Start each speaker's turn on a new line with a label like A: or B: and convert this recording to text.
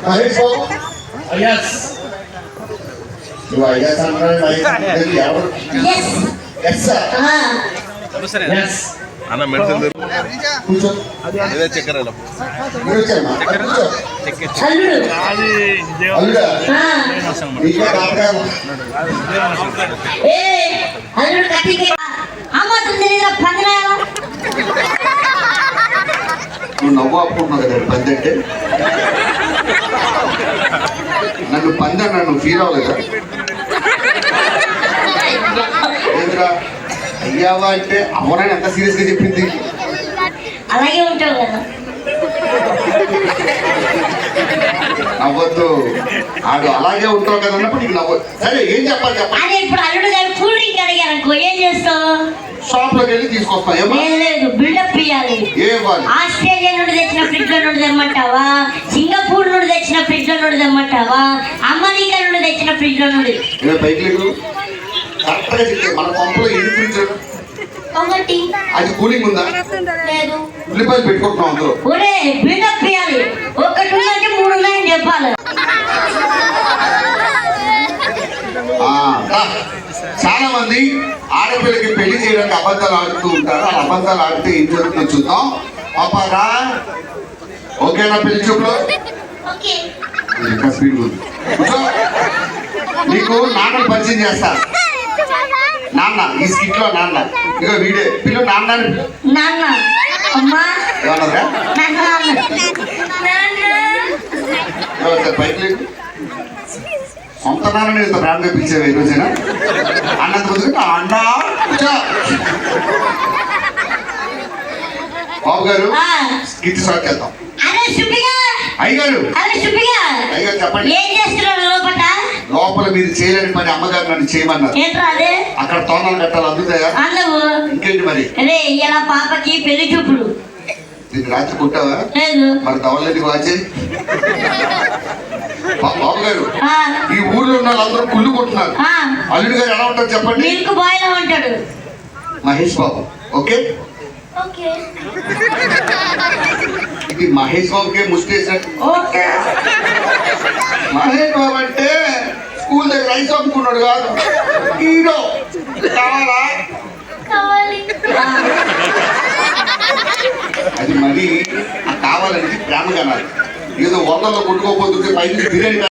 A: Mahesh Babu
B: yes
A: నువ్వు ఐఎస్ అంటారు ఎవరు ఎస్ సార్
B: ఎస్
C: అన్న మెడిసిన్
A: కూర్చో
C: అదే చక్కెర
A: మీరు వచ్చారమ్మా కూర్చో అల్లుడా నీకే కాపకాయ నువ్వు నవ్వు ఆపుకుంటున్నావు కదా పంది అంటే నన్ను పంది అన్నా నువ్వు ఫీల్ అవ్వలేదా ఏంద్రా అయ్యావా అంటే అమ్మనని ఎంత సీరియస్ గా చెప్పింది
D: అలాగే ఉంటావు కదా
A: నవ్వద్దు ఆడు అలాగే ఉంటావు కదా అన్నప్పుడు నీకు నవ్వద్దు సరే ఏం చెప్పాలి చెప్పాలి
D: అదే ఇప్పుడు అల్లుడు గారు కూల్ డ్రింక్ అడిగారు అనుకో ఏం చేస్తావు
A: షాప్ లోకి వెళ్ళి తీసుకొస్తాం ఏమో
D: లేదు బిల్డప్ ఇవ్వాలి
A: ఏం ఇవ్వాలి
D: ఆస్ట్రేలియా నుండి తెచ్చిన ఫ్రిడ్జ్ లో నుండి తెమ్మంటావా సింగపూర్ నుండి తెచ్చిన ఫ్రిడ్జ్ లో నుండి తెమ్మంటావా అమెరికా నుండి తెచ్చిన ఫ్రిడ్జ్ లో నుండి
A: బైక్ లేదు కరెక్ట్ గా చెప్తే మన పంపులో ఎన్ని ఫ్రిడ్జ్
D: ఒకటి
A: అది కూలింగ్ ఉందా
D: లేదు
A: ఉల్లిపాయలు పెట్టుకుంటున్నాం అందులో
D: ఒరే బిల్డప్ ఇవ్వాలి ఒకటి ఉందంటే మూడు ఉన్నాయని చెప్పాలి
A: చాలా మంది ఆడపిల్లకి పెళ్లి చేయడానికి అబద్ధాలు ఆడుతూ ఉంటారు ఆ అబద్ధాలు ఆడితే ఏం జరుగుతుందో చూద్దాం పాపారా ఓకేనా పెళ్లి చూపులో ఇంకా స్పీడ్ ఉంది నీకు నాన్నలు పరిచయం చేస్తా నాన్న ఈ స్కిట్ లో నాన్న ఇక వీడే పిల్లలు నాన్న
D: నాన్న అమ్మా
A: ఏమన్నారా బైక్ లేదు సొంత నాన్న ఇంత బ్రాండ్గా పిలిచేవా ఈ రోజైనా అన్నంత ముందు అన్న బాబు గారు స్కిట్ స్టార్ట్ చేద్దాం అయ్యగారు అయ్యగారు చెప్పండి
D: ఏం చేస్తున్నారు లోపల
A: లోపల మీరు చేయలేని పని అమ్మగారు నన్ను చేయమన్నారు అక్కడ తోనాలు కట్టాలి అందుతాయా ఇంకేంటి మరి
D: అదే ఇలా పాపకి పెళ్లి చూపులు
A: నీకు రాత్రి కుట్టావా మరి తవలేని వాచే బాబు గారు ఈ ఊర్లో ఉన్న వాళ్ళందరూ కుళ్ళు కొట్టున్నారు అల్లుడు గారు ఎలా ఉంటారు చెప్పండి
D: మిల్క్ బాయ్ లా ఉంటాడు
A: మహేష్ బాబు ఓకే ఇది మహేష్ బాబుకే ముస్టేషన్ ఓకే మహేష్ బాబు అంటే స్కూల్ దగ్గర రైస్ అమ్ముకున్నాడు కాదు హీరో కావాలా అది మరి కావాలంటే ప్రేమగా ఏదో వందల్లో కొట్టుకోకపోతుంటే పైకి బిర్యానీ